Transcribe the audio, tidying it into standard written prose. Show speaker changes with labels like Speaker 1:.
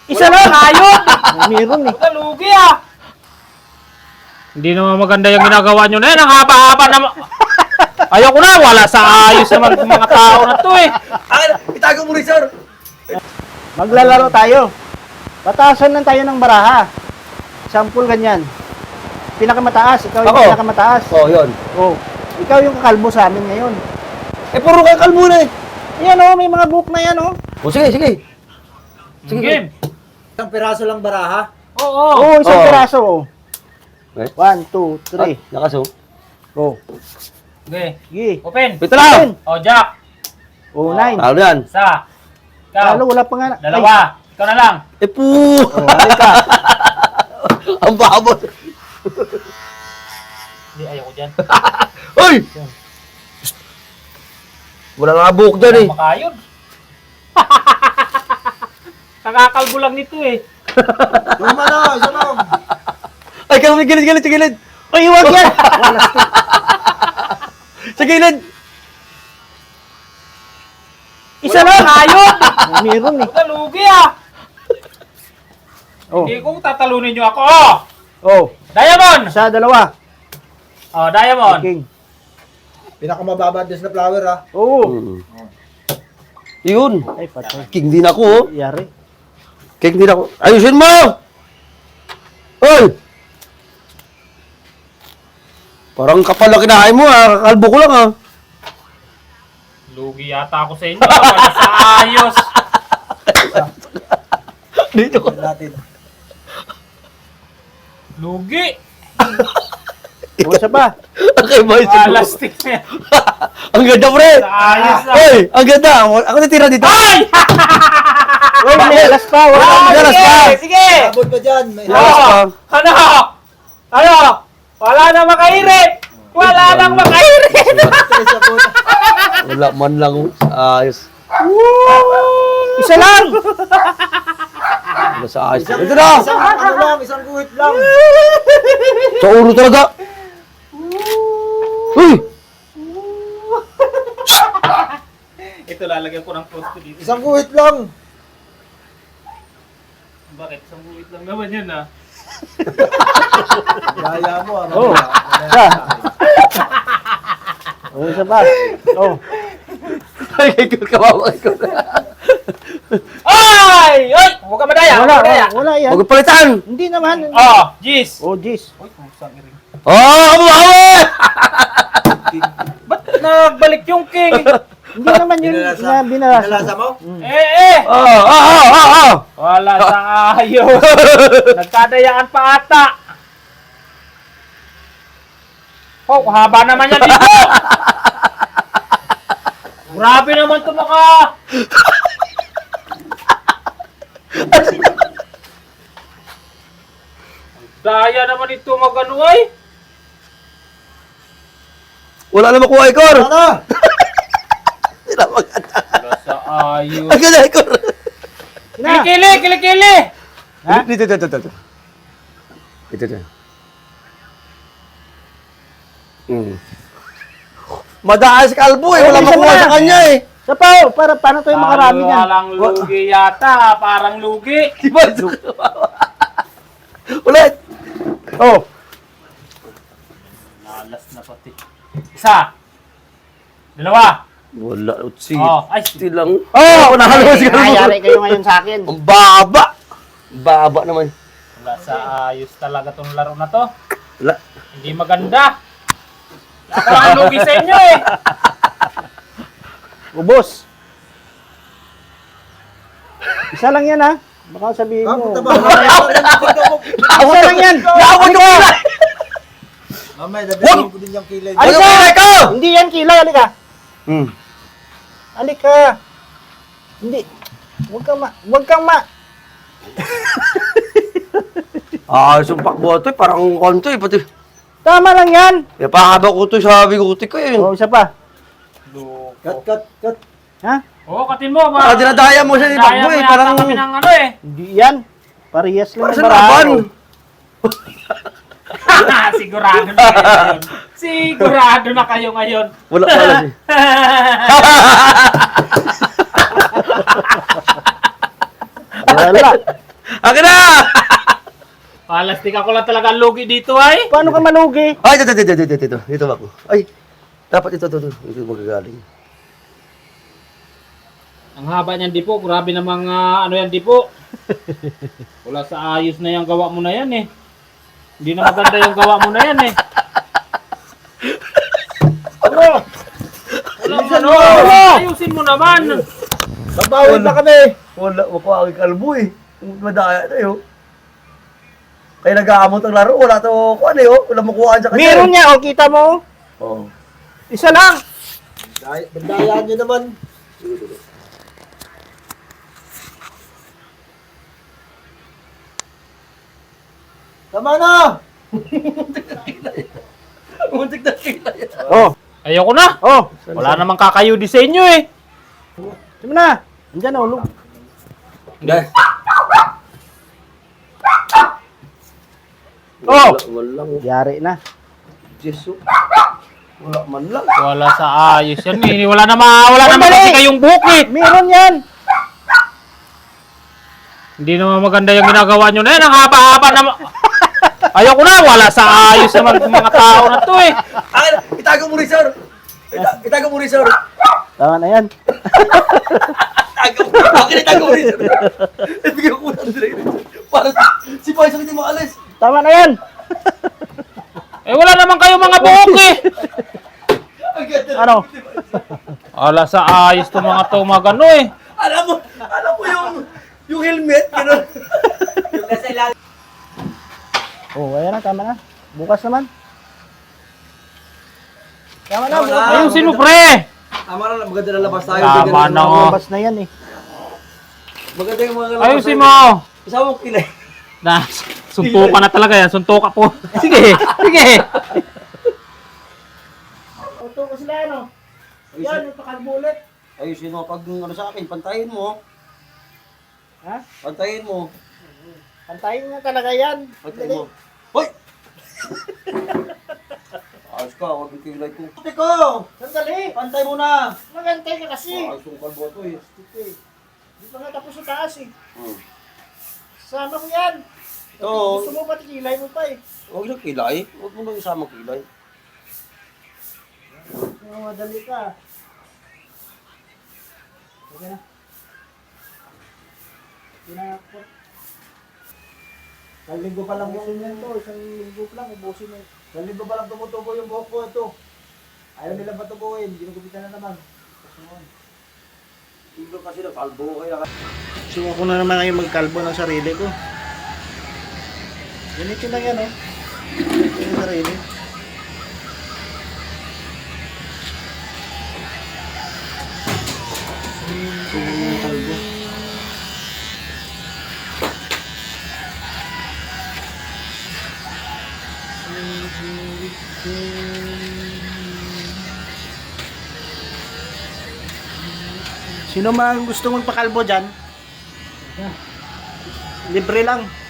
Speaker 1: Isa lang!
Speaker 2: Ayun!
Speaker 1: Meron eh.
Speaker 2: Lugi ah! Hindi naman maganda yung ginagawa nyo na yan. Ang haba-haba naman. Ayoko na. Wala sa ayos naman ng mga tao na to eh.
Speaker 3: Itago mo rin, sir.
Speaker 1: Maglalaro tayo. Pataasan lang tayo ng baraha. Sample ganyan. Pinakamataas. Ikaw yung
Speaker 3: Ako?
Speaker 1: pinakamataas.
Speaker 3: Yun.
Speaker 1: Oh. Ikaw yung kakalbo sa amin ngayon.
Speaker 3: Puro kakal muna eh.
Speaker 1: Yan oh, may mga book na yan oh.
Speaker 3: Sige, sige. Sige.
Speaker 2: Game.
Speaker 4: Isang piraso lang baraha.
Speaker 2: Oo.
Speaker 1: Oh, isang
Speaker 3: Oo.
Speaker 1: piraso oh.
Speaker 3: Okay.
Speaker 1: 1, 2, 3.
Speaker 3: Nakaso.
Speaker 1: Go.
Speaker 2: Okay.
Speaker 1: Sige.
Speaker 2: Open.
Speaker 3: Ito lang.
Speaker 2: O, Jack.
Speaker 1: Oh, 9.
Speaker 3: Talo yan.
Speaker 2: Isa. Ikaw.
Speaker 1: Talo, wala pa nga.
Speaker 2: Dalawa. Ikaw na lang.
Speaker 3: Po!
Speaker 1: Oh, halika.
Speaker 3: Ang babot.
Speaker 2: Hindi, ayoko dyan.
Speaker 3: Hoy! Wala nga buhok dyan eh.
Speaker 2: Makayod. Kakakalbo lang nito eh.
Speaker 4: Luma na, isa lang.
Speaker 3: Ay, kami gilid, sa gilid.
Speaker 1: Ay, huwag yan.
Speaker 3: Sa gilid.
Speaker 1: Isa lang.
Speaker 2: Ayun!
Speaker 1: Meron eh.
Speaker 2: Lugi ah!
Speaker 1: Oh.
Speaker 2: Hindi ko tatalunin nyo ako. Oh!
Speaker 1: Oh.
Speaker 2: Diamond!
Speaker 1: Isa, dalawa.
Speaker 2: Oh, Diamond.
Speaker 1: King.
Speaker 4: Pinakamababa des na flower ha.
Speaker 1: Oo.
Speaker 3: Yun.
Speaker 1: Ay, patay.
Speaker 3: King din ako oh.
Speaker 1: Yari.
Speaker 3: King din ako. Ayusin mo! Hoy! Parang kapal na kinain mo ah. Kakalbo ko lang ah.
Speaker 2: Lugi yata ako sa inyo. Wala sa ayos.
Speaker 3: Dito ko.
Speaker 4: Natin.
Speaker 2: Lugi.
Speaker 1: O, isa pa.
Speaker 3: Okay, boys.
Speaker 2: Plastic na yan.
Speaker 3: Ang ganda, pre!
Speaker 2: Sa ayos na.
Speaker 3: Hoy! Ang ganda! Ako natira dito.
Speaker 2: Ay!
Speaker 1: Uy, may alas pa. Wala
Speaker 2: Ah,
Speaker 1: pa.
Speaker 3: Dalas
Speaker 2: sige,
Speaker 3: pa.
Speaker 2: sige.
Speaker 4: Abot pa dyan. May
Speaker 3: Dalas pa.
Speaker 2: Ano? Ano? Wala nang makairit. Wala nang makairit.
Speaker 4: stress ako.
Speaker 3: Wala man lang. Ayos.
Speaker 1: Isa lang.
Speaker 3: Wala sa ayos. Ito na!
Speaker 4: Isang ano lang, isang guhit lang.
Speaker 3: Sa ulo talaga. Uy!
Speaker 2: Ito lalagyan ko ng post dito.
Speaker 4: Isang guhit lang.
Speaker 2: Bakit? Isang buwit lang naman yun ah.
Speaker 4: Yaya mo ha.
Speaker 1: Oh. Isa. Oh, isa pa. Oh.
Speaker 3: Ay, kawawa ko.
Speaker 2: Ay! Ay! Huwag ka madaya! Huwag
Speaker 1: Wala,
Speaker 2: ka madaya!
Speaker 1: wala yan.
Speaker 3: Huwag palitan!
Speaker 1: Hindi naman.
Speaker 2: Oh! Jeez!
Speaker 1: Oh, jeez.
Speaker 2: Uy, kumusang iring.
Speaker 3: Oh, kawawa!
Speaker 2: Ba't nagbalik yung king?
Speaker 1: Hindi naman yun na binarasa.
Speaker 4: Binalasa mo?
Speaker 2: Eh! Wala sa ayos! Nagkadayaan pa ata! Oh, haba naman yan dito! Grabe naman ito mga... Daya naman ito magano ay!
Speaker 3: Wala na makuha, Ikor!
Speaker 4: Ano?
Speaker 3: Wala maganda.
Speaker 2: Wala sa ayos!
Speaker 3: Ang ganda, Ikor!
Speaker 1: Na.
Speaker 2: Kilikili! Kilikili!
Speaker 1: Ha?
Speaker 3: Dito. Ito. Madaas kalbo eh. Wala
Speaker 1: Isa
Speaker 3: makuha
Speaker 1: na.
Speaker 3: sa kanya eh.
Speaker 1: Isa pa oh. Paano tayo makarami niyan?
Speaker 2: Walang lugi yata, parang lugi.
Speaker 3: Di ba? Ulit.
Speaker 1: Oh.
Speaker 2: Nalas na pati. Isa. Dalawa.
Speaker 3: Wala. Utsi.
Speaker 2: Oh, ay.
Speaker 3: Lang.
Speaker 1: Oh,
Speaker 3: nahalo si kalbo.
Speaker 1: Nangyari kayo ngayon sa akin.
Speaker 3: Ang baba. Baba naman.
Speaker 2: Wala sa ayos talaga tong laro na to.
Speaker 3: Wala.
Speaker 2: Hindi maganda. Ako ang lugi sa inyo eh.
Speaker 1: Ubos. Isa lang yan ha. Baka sabihin
Speaker 4: Ah,
Speaker 1: mo.
Speaker 4: punta ba?
Speaker 1: Isa lang yan.
Speaker 3: Naawad ko na.
Speaker 4: Mamaya, dabihin ko din yung kilay.
Speaker 3: Ano ka ko?
Speaker 1: Hindi yan kilay. Halika. Halika. Hindi. Huwag kang ma.
Speaker 3: Sumpak boto eh. Parang konto eh. Pati.
Speaker 1: Tama lang yan.
Speaker 3: Kaya pakaba ko ito sa biguti ko eh.
Speaker 1: Oh, isa pa.
Speaker 4: Cut.
Speaker 1: Ha?
Speaker 2: Oo, katin mo.
Speaker 3: Dinadaya mo siya ni
Speaker 2: Daya
Speaker 3: Bakbo
Speaker 2: mo
Speaker 3: eh.
Speaker 2: yata
Speaker 3: Parang.
Speaker 2: kami ng ano eh.
Speaker 1: Hindi yan. Parehas lang
Speaker 3: Para
Speaker 1: yung
Speaker 3: sa laban.
Speaker 2: Sigurado na kayo ngayon. Sigurado na kayo ngayon.
Speaker 3: Wala pala siya.
Speaker 1: Wala.
Speaker 3: Akin na!
Speaker 2: Palastik ako lang talaga ang lugi dito ay.
Speaker 1: Paano ka malugi?
Speaker 3: Ay, dito ako. Ay, dapat ito. Ito magagaling.
Speaker 2: Ang haba niyan di po, grabe namang ano yan di po. Wala sa ayos na yung gawa mo na yan eh. Hindi na maganda yung gawa mo na yan eh. Ano? Ano? Ayusin mo naman.
Speaker 3: Babawin na kami. Wala ko ang kalbo eh. Madaya na yun. Kaya nag-aamot ang laro. Wala to, ano yun. Wala makuhaan sa kanya.
Speaker 1: Meron niya, o kita mo.
Speaker 3: Oo.
Speaker 1: Isa lang.
Speaker 4: Bandayaan nyo naman. Tama na!
Speaker 3: Muntik na kita yan.
Speaker 1: Oh,
Speaker 2: Ayoko na.
Speaker 1: oh.
Speaker 2: Wala namang kakayo di sa inyo eh.
Speaker 1: Sige na. Andiyan na, ulog.
Speaker 3: Dahil.
Speaker 1: Oh!
Speaker 3: Walang.
Speaker 1: Yari na.
Speaker 3: Jesus. Wala man lang.
Speaker 2: Wala sa ayos yan eh. Wala naman kasi kayong buhok eh.
Speaker 1: Meron yan.
Speaker 2: Hindi naman maganda yung ginagawa nyo na yan. Ang haba-haba naman. Ayoko na. Wala sa ayos naman mga tao na to eh.
Speaker 3: Akin na. Itago mo rin, sir. Itago mo rin, sir.
Speaker 1: Tama na yan.
Speaker 3: Itago mo rin, sir. Ibigay ko na rin. Para si Paisang hindi maalis.
Speaker 1: Tama na yan.
Speaker 2: Eh wala naman kayo mga buhok eh.
Speaker 1: Ano?
Speaker 2: Wala sa ayos to mga to mga gano eh.
Speaker 3: Alam mo yung helmet, gano'n. Yung nasa ilalim.
Speaker 1: Oh, ayan na, tama na. Bukas naman. Tama na,
Speaker 3: Tama na.
Speaker 1: bukas.
Speaker 2: Ayusin mo pre.
Speaker 3: Tama na, maganda na labas tayo.
Speaker 2: Tama na oh.
Speaker 1: Labas na yan eh.
Speaker 3: Maganda yung mga labas.
Speaker 2: Ayusin mo.
Speaker 3: Kasama mo kilay.
Speaker 2: Na, suntukan na talaga yan. Suntukan po. Sige, sige.
Speaker 1: Ito ko sila, ano? Yan, ito kalbulit.
Speaker 3: Ayusin mo, pag ano sa akin, pantayin mo.
Speaker 1: Ha?
Speaker 3: Pantayin mo.
Speaker 1: Pantayin nga talaga yan.
Speaker 3: Pantayin mo. Hoy! Ayos ka, huwag yung kilay ko. Puti ko!
Speaker 1: Sandali.
Speaker 3: Pantay mo na!
Speaker 1: Magantay ka kasi.
Speaker 3: Ayos yung kalbo ito eh.
Speaker 1: Di pa nga tapos sa taas eh.
Speaker 3: Hmm.
Speaker 1: Sama ko yan.
Speaker 3: Ito.
Speaker 1: Gusto mo pati kilay mo pa eh.
Speaker 3: Huwag yung kilay. Huwag mo nang isama kilay.
Speaker 1: Madali ka. Okay na. Pinakot. Isang linggo pa lang yung yan to. Isang linggo pa lang. Ubusin mo.
Speaker 4: Isang linggo pa lang tumutubo yung buhok ko ito. Ayaw nila patubuhin. Ginugupitan na naman.
Speaker 3: Tiglo kasi na kalbo kaya.
Speaker 1: Suwa ko na naman ngayon magkalbo ng sarili ko. Ganito lang yan oh. Ganito yung sarili. Suwa ko ng kalbo. Sino man gusto magpakalbo dyan? Libre lang.